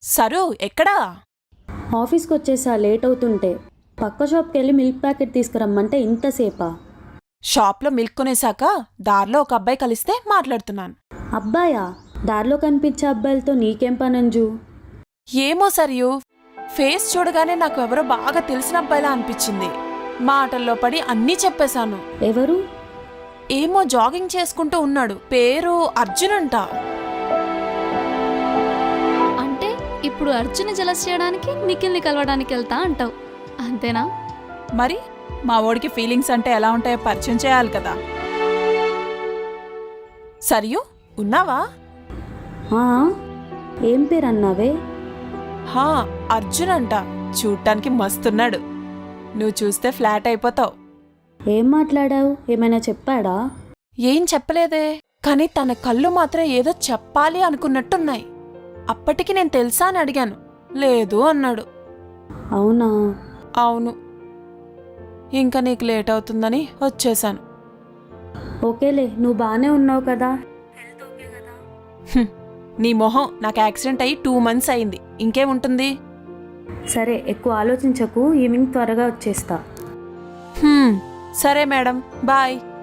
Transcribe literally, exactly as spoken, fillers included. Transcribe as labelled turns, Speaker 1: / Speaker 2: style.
Speaker 1: Sir ఎక్కడా?
Speaker 2: ఆఫీస్కి వచ్చేసా లేట్ అవుతుంటే. పక్క షాప్కి వెళ్ళి మిల్క్ ప్యాకెట్ తీసుకురమ్మంటే ఇంతసేపా?
Speaker 1: షాప్లో మిల్క్ కొనేశాక దారిలో ఒక అబ్బాయి కలిస్తే మాట్లాడుతున్నాను.
Speaker 2: అబ్బాయా? దారిలో కనిపించే అబ్బాయిలతో నీకేం పనంజు?
Speaker 1: ఏమో సరియు, ఫేస్ చూడగానే నాకు ఎవరో బాగా తెలిసిన అబ్బాయిలా అనిపించింది. మాటల్లో పడి అన్నీ చెప్పేశాను.
Speaker 2: ఎవరు?
Speaker 1: ఏమో జాగింగ్ చేసుకుంటూ ఉన్నాడు, పేరు అర్జున్ అంట.
Speaker 3: అంటే ఇప్పుడు అర్జున్ జలస్ చేయడానికి నిఖిల్ని కలవడానికి వెళ్తా అంటావు అంతేనా?
Speaker 1: మరి మా ఓడికి ఫీలింగ్స్ అంటే ఎలా ఉంటాయో పరిచయం చేయాలి కదా. సరియు ఉన్నావా?
Speaker 2: ఆ, ఏం పేరు అన్నావే?
Speaker 1: హా, అర్జున్ అంట. చూడటానికి మస్తున్నాడు. నువ్వు చూస్తే ఫ్లాట్ అయిపోతావు.
Speaker 2: ఏం మాట్లాడావు? ఏమైనా చెప్పాడా?
Speaker 1: ఏం చెప్పలేదే, కానీ తన కళ్ళు మాత్రం ఏదో చెప్పాలి అనుకున్నట్టున్నాయి. అప్పటికి నేను తెలుసా అని అడిగాను. లేదు అన్నాడు.
Speaker 2: అవునా?
Speaker 1: అవును. ఇంకా నీకు లేట్ అవుతుందని వచ్చేశాను.
Speaker 2: ఓకేలే, నువ్వు బాగానే ఉన్నావు కదా?
Speaker 1: హ్మ్, నీ మొహం, నాకు యాక్సిడెంట్ అయ్యి టూ మంత్స్ అయింది. ఇంకేముంటుంది?
Speaker 2: సరే, ఎక్కువ ఆలోచించకు. ఈవినింగ్ త్వరగా వచ్చేస్తా.
Speaker 1: హ్మ్, సరే మేడం, బాయ్.